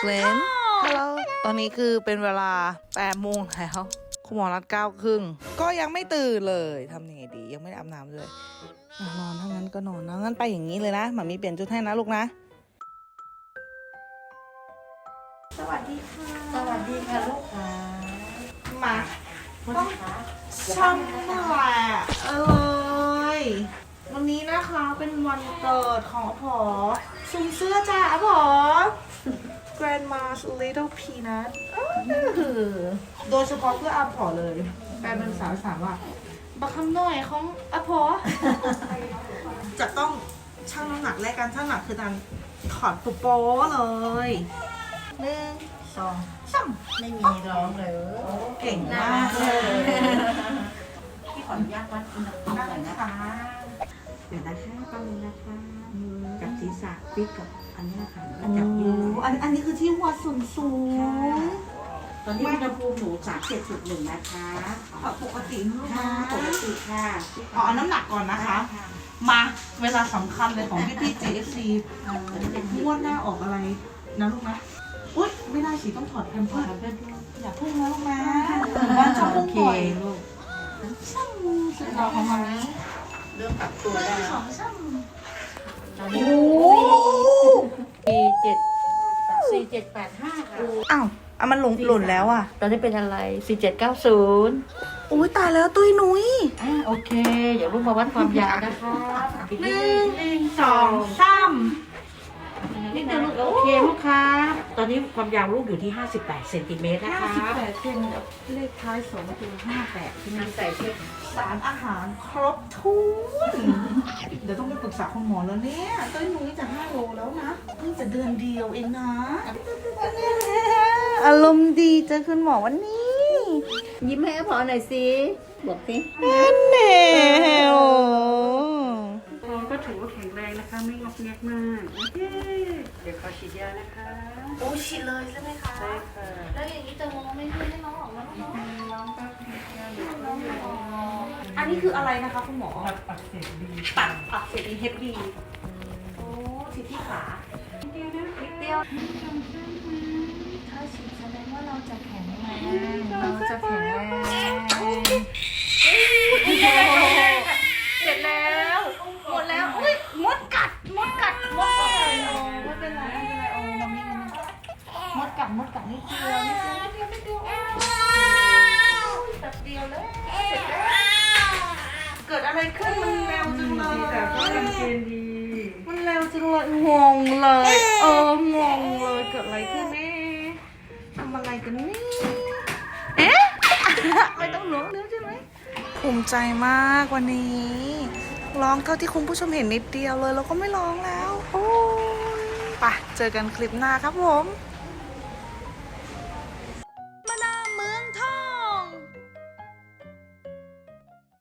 Flynn ฮัลโหลตอนนี้คือเป็นเวลา8 โมงแล้วคุณหมอนัด9 ครึ่งก็ยังไม่ตื่นเลยทำยังไงดียังไม่ได้อาบน้ำเลยนอนถ้างั้นก็นอนนะงั้นไปอย่างนี้เลยนะหมามีเปลี่ยนชุดให้นะลูกนะสวัสดีค่ะสวัสดีค่ะลูกค้ามาต้องช่ำแหละวันนี้นะคะเป็นวันเกิดของอาผอซุมเสื้อจ้าอาผอ Grandma's Little Peanut โดยเฉพาะเพื่ออาผอเลยแฟนเป็นสาวสามว่าบักคำหน่อยของอาผอ จะต้องชั่งน้ำหนักแรกกันชั่งน้ำหนักคือการถอดปุโป้เลย1 2 3 ไม่มีร้องเลยเก่งมากเลยพี่ขออนุญาตวัดอุณหภูมิหน่อยนะคะเดี๋ยวนะคะตอนนี้นะคะจับศีรษะปิดกับอันนี้ค่ะโอ้จับยืดอันนี้คือที่หัวสูงตอนนี้อุณหภูมิหนู37.1นะคะปกตินะลูกค่ะนะปกติค่ะเอาน้ำหนักก่อนนะคะ มาเวลาสำคัญเลยของพี่ JFC งวดหน้าออกอะไรนะลูกนะอุ๊ยไม่ได้สิต้องถอดแพมเพิร์สอย่าพุ่งนะลูกนะมันชอบพุ่งบ่อยลูกช่างสุดหล่อของมันนี้เริ่มปรับตัวได้แล้วตอนนี้โอ้ 4785ค่ะอ้าวมันหล่นแล้วอ่ะตอนนี้เป็นอะไร4790 อุ้ยตายแล้วตุ้ยนุ้ยโอเค เดี๋ยวลูกมาวัดความยาวนะคะ 1 1 2 3 นิดเดียวลูกโอเคลูกค้าตอนนี้ความยาวลูกอยู่ที่58เซนติเมตรนะคะ 58เซนเลขท้าย2คือ58ที่มันใส่เช็คสารอาหารครบถ้วนเดี๋ยวต้องไปปรึกษาคุณหมอแล้วเนี่ยตุ้ยนุ้ยจะ5 โลแล้วนะเพิ่งจะเดือนเดียวเองนะอารมณ์ดีเจอคุณหมอวันนี้ยิ้มให้พอหน่อยสิบอกสิแน่โอ้ท้องก็ถือว่าแข็งแรงนะคะ ไม่งอกแงกมากโอเคเดี๋ยวขอฉีดยานะคะโอ้ฉีดเลยใช่ไหมคะใช่ค่ะแล้วอย่างนี้จะมองไม่ขึ้นให้น้องออกมาแล้วเนาะน้องก็ฉีดยาอยู่อันนี้คืออะไรนะคะคุณหมอปักเสร็จดีตัดอักเสบอีเฮปบีโอ้ฉีดที่ขานิดเดียวถ้าฉีดแสดงว่าเราจะแข็งแรงเราจะแข็งแรงเสร็จแล้วหมดแล้วอุ้ยมดกัดไม่เป็นไรโอ้มาไม่งั้นมดกัดนิดเดียวแป๊บเดียวเลยเสร็จแล้วเกิดอะไรขึ้นมันเร็วจังเลยแต่ก็ยังเกณฑ์ดีมันเร็วจังเลยงงเลยงงเลยเกิดอะไรขึ้นแน่ทำอะไรกันนี่เอ๊ะ ไม่ต้องล้วงนิ้วใช่ไหมภูมิใจมากวันนี้ร้องเท่าที่คุณผู้ชมเห็นนิดเดียวเลยแล้วก็ไม่ร้องแล้วโอ้ยไปเจอกันคลิปหน้าครับผม